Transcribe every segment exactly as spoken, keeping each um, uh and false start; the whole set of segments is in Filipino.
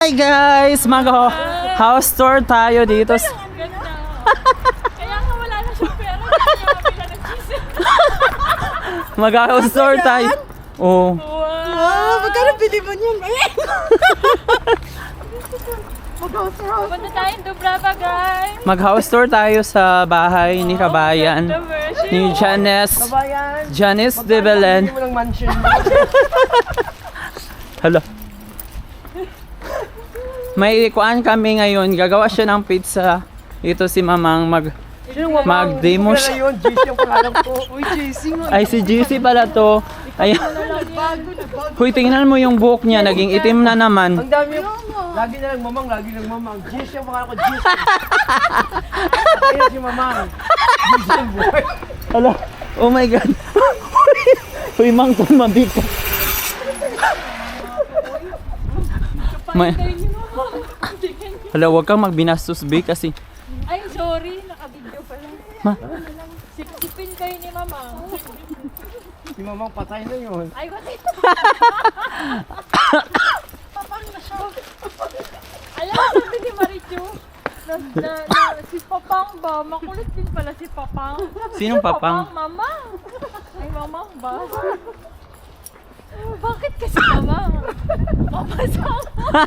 Hi guys! Mag-house tour tayo dito. s- Ang ganda. Kaya nga wala na siyang pera. Kaya kabila ng cheese. Mag-house tour tayo. Oh. Wow! Magkano bili mo niyan? Mag-house tour. Punta tayong Dubrava, guys. Mag-house tour tayo sa bahay ni Kabayan. The version. Ni Janice. Kabayan. Janice de Belen. Hindi mo ng mansion. Hala. May kuan kami ngayon. Gagawa siya ng pizza. Ito si Mamang mag mag-demo siya. siya. Yun, J C ang pangalan ko. Uy, J C nga. Ay si G C pala to. Ayan. Bago na bago. Huy, tingnan mo yung buhok niya. Naging itim na naman. Ang dami yung... Lagi na lang mamang, lagi lang mamang. J C ang pangalan ko, J C. Kaya si mamang. J C ang buhay. Hala. Oh my God. Huy, mang tumabik ka. May... Hala, huwag kang magbinastos, B, kasi... Ay, sorry. Naka-video pala. Ma, Sipsipin kayo ni Mama. Si mamang patay na yun. Ay, what it? Papang na siya. Alam mo, sabi ni Marichu, na, na, na, si Papang ba? Makulit din pala si Papang. sinong papang? Mama. Ay, Mamang ba? Bakit kasi Mamang? Mama sama.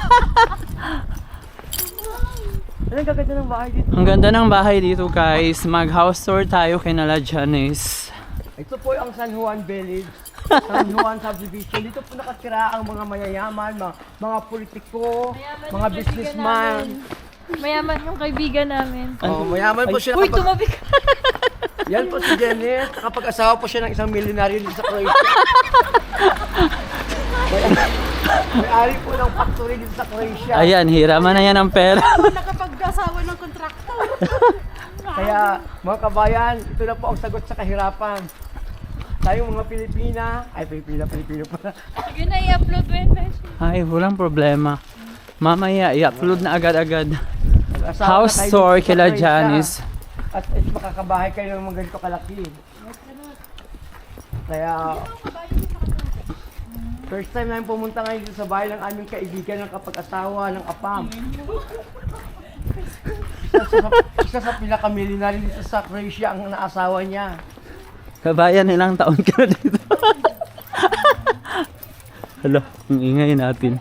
Anong gaganda ng bahay dito? Ang ganda ng bahay dito, guys. Mag-house tour tayo kay Nala Janice. Ito po ang San Juan Village. San Juan Subdivision. Dito po nakatira ang mga mayayaman, mga, mga politiko, Mayaman mga yung businessman. kaibigan Mayaman yung kaibigan namin. Oh, mayaman po siya. Uy, Kapag, tumabi ka. yan po si Janice. Kapag asawa po siya ng isang milyonaryo dito sa Croatia. May ari po ng factory dito sa Croatia. Ayan, hiraman na yan ang pera. Nakapag-asawa ng kontraktor. Kaya mga kabayan, ito na po ang sagot sa kahirapan. Tayong mga Pilipina, ay Pilipina, Pilipino pala. Sige na, i-upload mo yun, Beshi. Ay, walang problema. Mamaya, i-upload na agad-agad. Mag-asawa House na tayo tour dito sa kila Croatia. Janice. At, at makakabahay kayo ng mga ganito kalaki. Kaya, first time namin pumunta ngayon dito sa bahay ng aming kaibigan ng kapag-asawa ng Apam. Isa sa, isa sa pinaka-millionaire dito sa Croatia ang naasawa niya. Kabayan, ilang taon ka na dito? Hala, ang ingay natin.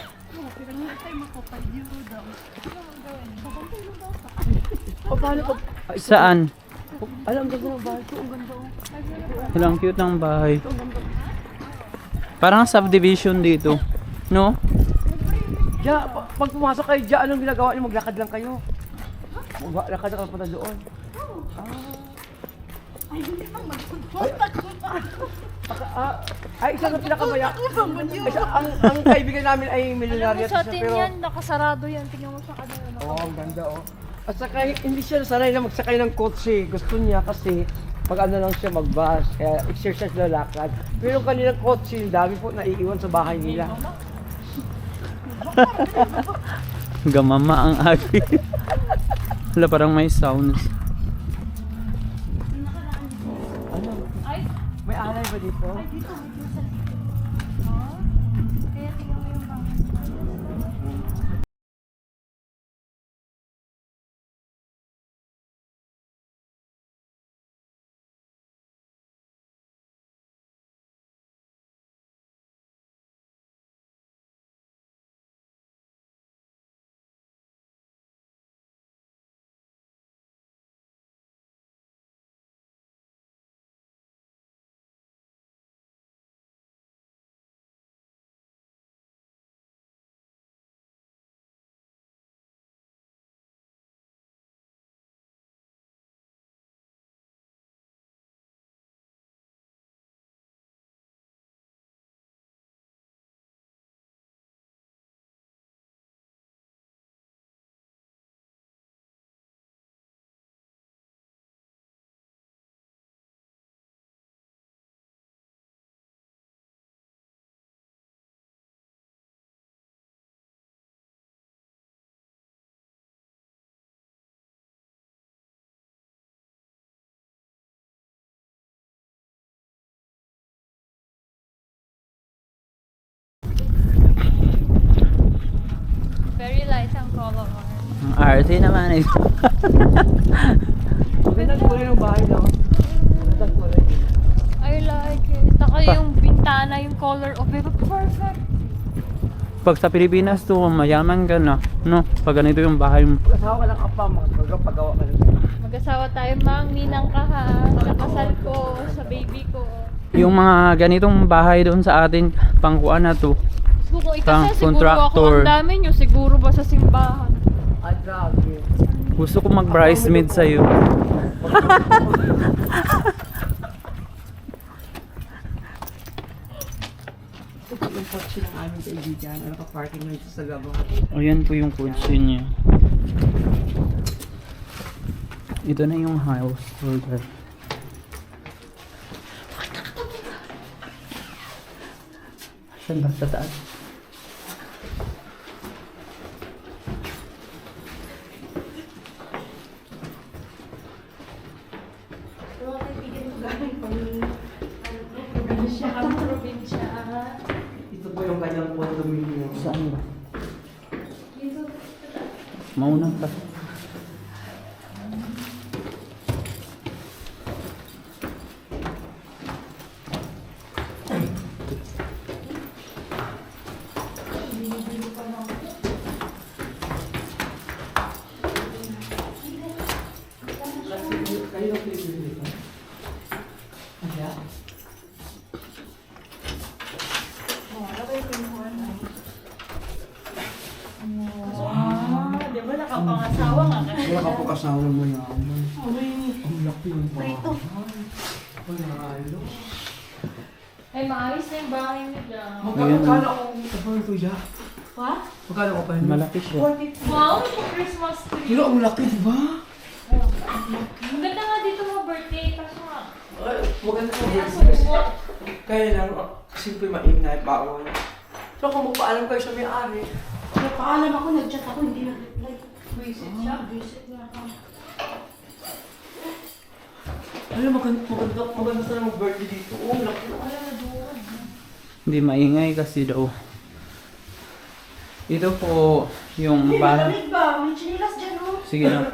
O paano pag... Ay, Saan? alam, ang ganda ng bahay ko. Ang ganda oh. Ilang cute ng bahay. Parang subdivision dito. No? Ja, pa- pag pumasok kayo dyan, anong ginagawa niyo? Maglakad lang kayo. Maglakad lang kayo doon. Ay, hindi pa ah, ay, isa sa pinakamaya. Isa, ang, ang kaibigan namin ay Alam milyonaryo. mo sa atin yan, nakasarado yan. Tingnan mo sa kanila. Oo, oh, ang ganda oh. At saka hindi siya sanay na magsakay ng kotse. Gusto niya kasi pag ano lang siya mag-bus, kaya exercise na lakad. Pero yung kanilang kotse, ang dami po naiiwan sa bahay nila. Gamama ang agi. Hala, parang may sounds. Ano? Ay, May alay ba dito? dito. Very light ang color. Ang arte naman eh. Magandang kulay ng bahay, no? Magandang kulay. I like it. Taka Pa- yung bintana, yung color of it. Perfect. Pag sa Pilipinas to, mayaman ka na. No? Pag ganito yung bahay mo. Pag-asawa ka ng apa, magpagawa ka ng Mag-asawa tayo, mang. Ninang ka ha. Sa kasal ko, sa baby ko. Yung mga ganitong bahay doon sa atin, pangkuan na to. So, kung Pang ikasal, siguro contractor. ako ang dami nyo. Siguro ba sa simbahan? Ay, grabe. Gusto ko mag-bridesmaid sa'yo. Ito po yung kotse ng aming kaibigan. Ano ka parking na ito sa labas. O yan po yung kotse niya. Ito na yung house tour guide. Saan ba? Sa taas? Probinsya kami, probinsya. Ito po yung kanyang condominium. Saan ba? Mauna ka. Kayo ang pinipili dito? Ayan. Ah, di ba nakapangasawa nga kasi? Wala ka po kasama mo yaman. Ang laki yung bahay. Panalo. Ay, maayos na yung bahay nila. Magkano kala ko ito ito ya? What? Magkano ko pa yun? Malaki siya. Wow, yung Christmas tree. Pero ang laki, di ba? Ang ganda nga dito mo birthday. Kaso nga. Ay, maganda ko Kaso din. what? Kaya lang, ah, simple maingay, bawal. So kung magpaalam kayo sa may-ari, Nagpaalam ako, nag-chat ako, hindi nag-reply. Visit siya. Visit nga ako. alam, maganda, maganda, maganda sa mag-birthday dito. Oh, ang laki. Wala na doon. Hindi maingay kasi daw. Ito po yung Hindi, bahay. malamig ba? May chinilas dyan, oh. Sige na.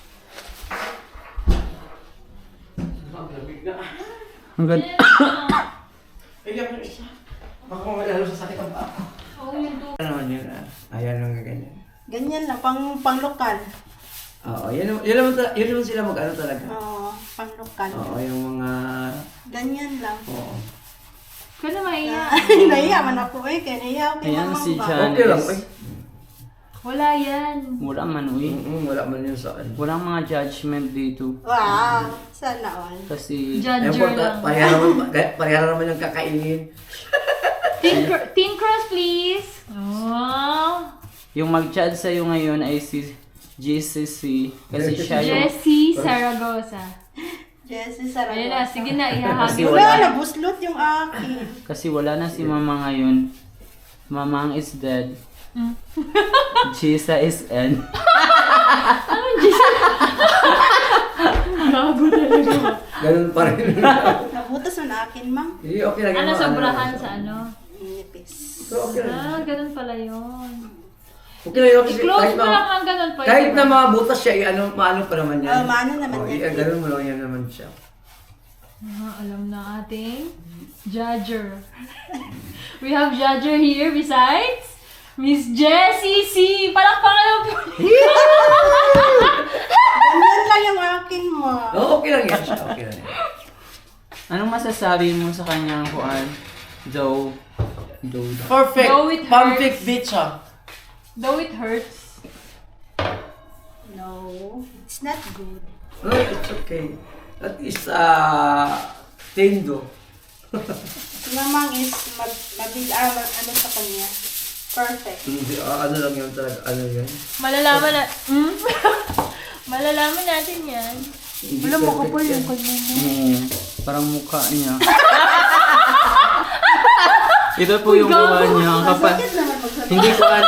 Ang lamig na. Ang ganda. Ay, yan isa. Baka mamalalo sa sakit ang paa. Oo, yung doon. Ano naman yun, ah? Ayan lang ganyan. Ganyan lang, pang, pang lokal. Oo, yan, naman- yan, naman, ta- yan naman sila mag-ano talaga. Oo, pang lokal. Oo, yung mga... Ganyan lang. Oo. Kaya maiya. Nahiya man ako eh, kaya nahiya ako kay Ayan mamang si ba? Jan. Okay lang, ay. Wala yan. Wala man uy. Mm, wala man yun sa ano. Walang mga judgment dito. Wow, sana all. Kasi Judger Important, lang. pareha naman, pareha naman yung kakainin. Thin, cr- thin crust, please. Oh. yung mag-chat sa'yo ngayon ay si G C C. Kasi siya yung... Jessie Saragosa. Jessie, Ayun na, sarap. sige na, Kasi ihahagi. wala. Wala, nabuslot yung akin. Kasi wala na si Mama ngayon. Mamang is dead. Mm. Chisa is N. Gago talaga. Ganun pa rin. Nabutas man akin, ma'am. Hindi, okay lang Ano, yung mga sobrahan sa ano? Nipis. Pero okay lang. Ah, ganun pala yun. Okay lang yun kasi I-close kahit mo na, lang ang ganun pa. kahit na mga butas siya, i- ano, maano pa naman yan. Oh, maano naman Oh, yan. i- ganun mo lang yan naman siya. Ah, alam na ating judger. We have judger here besides Miss Jessie C. Palakpakan lang po. Ganyan lang yung akin mo. Oo, okay lang yan siya. Okay lang yan. Anong masasabi mo sa kanyang kuan? Joe. Joe. Perfect. Go with Perfect hearts. bitch ah. Though it hurts. No, it's not good. No, it's okay. At least, ah, tendo. Si mamang is mag, mabil, ah, mag- ano sa kanya. Perfect. Hindi, ah, ano lang yun talaga, ano yun. Malalaman na... Hmm? Malalaman natin yan. Hindi Wala mo perfect kapal yan. yung kanya mo. Oo. Parang mukha niya. Ito po yung mukha niya. Ang kapal. Bakit naman magsabi? Hindi ko an...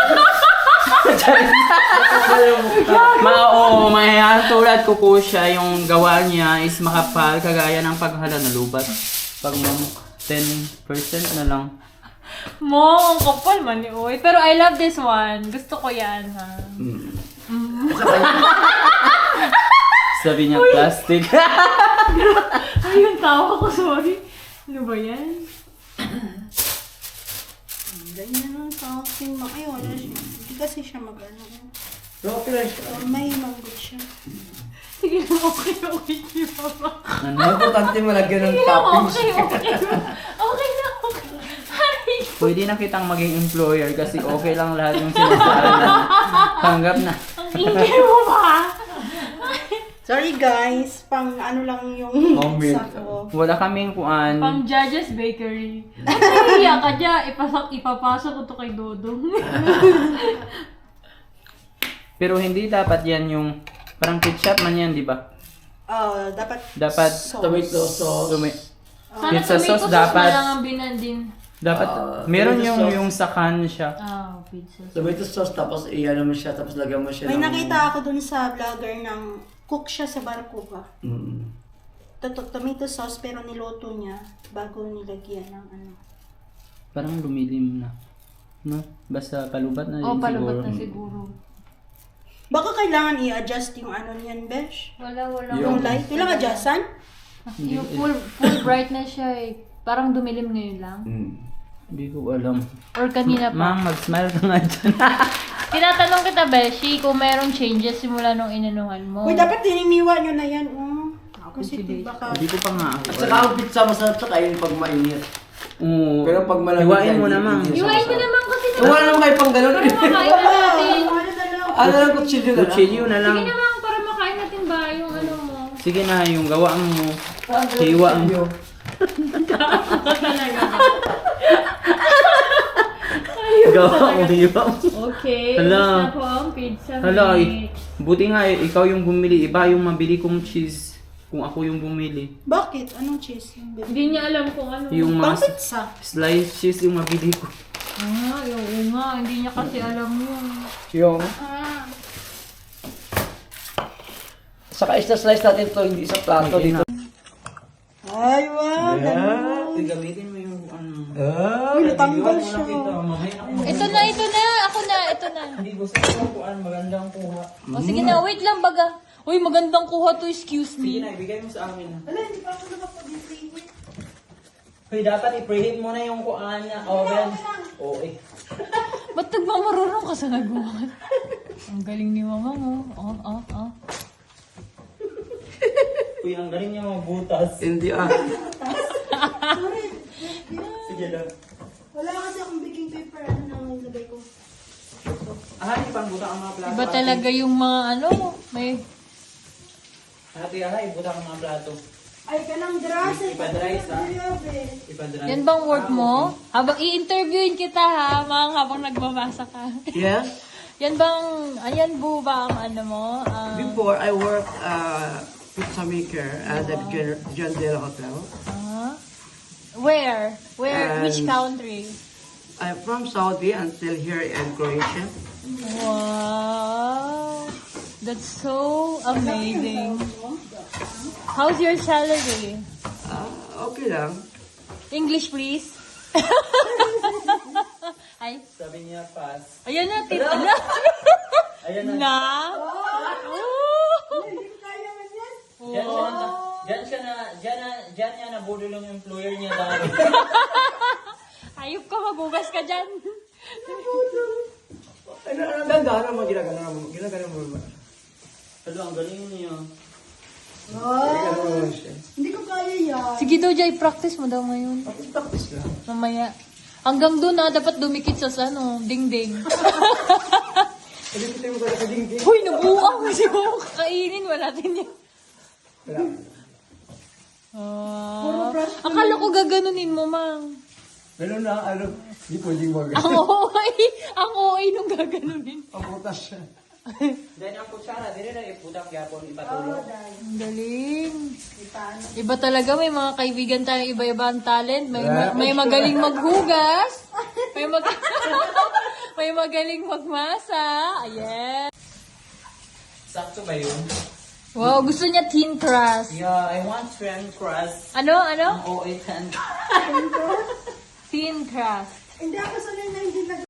Ma, oo, may tulad ko po siya, yung gawa niya is makapal, kagaya ng paghala na lubat. Pag mo ten percent na lang. Mo, ang kapal man ni Uy. Pero I love this one. Gusto ko yan, ha? Sabi niya plastic. Ay, yung tawa ko, sorry. Ano ba yan? Ganyan ang talking. Ay, wala siya. Hindi kasi siya mag-ano. Okay lang siya. Or may manggot siya. Sige lang, okay, okay, di ba ba? Ano? Importante malagyan ng Sige lang, toppings. okay, okay. Okay na, okay. Ay, Pwede na kitang maging employer kasi okay lang lahat yung sinasabi mo. Tanggap na. ang ingay mo ba? Sorry guys, pang ano lang yung Moment. sa ko. Wala kaming kuan. Pang Judge's Bakery. At nahiya ka dyan, ipasak, ipapasok ko to kay Dodong. Pero hindi dapat yan yung parang ketchup man yan, di ba? Oh, dapat Dapat sauce. Tomato sauce. Tumi- Sana Pizza tomato sauce sauce dapat. na lang ang binandin. dapat Ah, meron tomato yung sauce. yung sa can siya. Ah, pizza sauce. Tomato sauce, tapos iyan mo siya, tapos lagyan mo siya May ng... nakita ako dun sa vlogger ng cook siya sa barko ba? Mm. Toto- tomato sauce pero niloto niya bago nilagyan ng ano. Parang lumilim na. No? Basta palubat na din Oh, siguro. palubat na siguro. Baka kailangan i-adjust yung ano niyan, Besh? Wala, wala. Yung light. Kailangan adjustan? Yung full, full bright na siya eh. Parang dumilim ngayon lang. Mm. Hindi ko alam. Or kanina pa. Ma'am, mag-smile ka nga dyan. Tinatanong kita, Beshi, kung merong changes simula nung inanuhan mo. Uy, dapat tininiwa nyo na yan. Oh. Kasi Sige. baka... Hindi ko pa nga ako. At saka ang pizza masarap sa kain pag mainit. Oo. Pero pag malamig Iwain yan, mo hindi- naman. hindi siya Iwain mo masarap. naman kasi Eh, Wala naman kayo pang ganun. para makain na natin. Ano lang kutsilyo na lang. Kutsilyo na lang. Sige naman, para makain natin ba yung ano mo. Sige na, yung gawaan mo. Parang ganun Hiwa ang- kutsilyo. Gawa mo, hiwa mo. Okay, Hala. ubos na po ang pizza Hala, mix. eh, buti nga eh, ikaw yung bumili. Iba yung mabili kong cheese kung ako yung bumili. Bakit? Anong cheese yung baby? Hindi niya alam kung ano. Yung Pang mga pizza. slice cheese yung mabili ko. Ah, yung nga. Hindi niya kasi alam yun. Yung... Ah. Saka isla-slice natin to, hindi sa plato Okay dito. Ay, wow. Yeah. Gamitin mo yung ano. Ah, Natanggal siya. Ito na, ito na. Ako na, ito na. Hindi gusto ko kuan, magandang kuha. O sige na, wait lang baga. Uy, magandang kuha to, excuse Sige me. na, ibigay mo sa amin. Wala, hindi pa ako nakapag-preheat. Hoy, dapat i-preheat mo na yung kuan na oven. Oo eh. Ba't nagmamarunong ka sa nagawa? Ang galing ni mama mo. Oh, oh, oh. Uy, ang galing niya mga butas. Hindi ah. Sige lang. Wala kasi akong baking paper. Ano nang nilagay ko? Ah, di pang buta ang mga plato. Iba talaga yung mga ano, may... Ate, ah, ibuta ang mga plato. Ay, kanang drasa. Ipa-dry sa. Grabe. Ipa-dry. Yan bang work mo? Habang i-interviewin kita ha, mga habang nagbabasa ka. Yes. Yan bang, ayan po ba ang ano mo? Ah, Before, I work uh, pizza maker at the Gen- John Dela Hotel. ah? Where? Where? Which Um, country? I'm from Saudi until here in Croatia. Wow! That's so amazing. How's your salary? Ah, okay lang. English, please. Ay, Sabi niya, pass. ayan na, tita na. Ayan na. Na? Diyan siya na, diyan siya na, diyan na, diyan niya nabudol yung employer niya dahil. Ayop ka, magugas ka dyan. Ano, ano, gano'n mo ginagano mo? Ginagano mo ba? Hello, ang galing niya. Ginagano mo siya. Hindi ko kaya yan. Sige daw, Jay, practice mo daw ngayon. Practice lang. Mamaya. Hanggang doon na, dapat dumikit sa ano, ding-ding. Pwede ko tayo magkala sa dingding. Uy, nabuang kasi mo kakainin. Wala din yan. Wala. Ah, akala ko gaganunin mo, mang. Ganun lang, ano, hindi pwedeng mag- Ang O A, ang O A nung gaganunin. Paputas siya. Then ang kutsara, dire na iputang yapon, ipatulog. Ang galing. Iba talaga, may mga kaibigan tayong iba-iba ang talent. May, ma- may magaling maghugas. May, mag- may magaling magmasa. Ayan. Sakto ba yun? Wow, gusto niya thin crust. Yeah, I want thin crust. Ano, ano? Ang O A ten. Thin crust. Hindi ako sanay na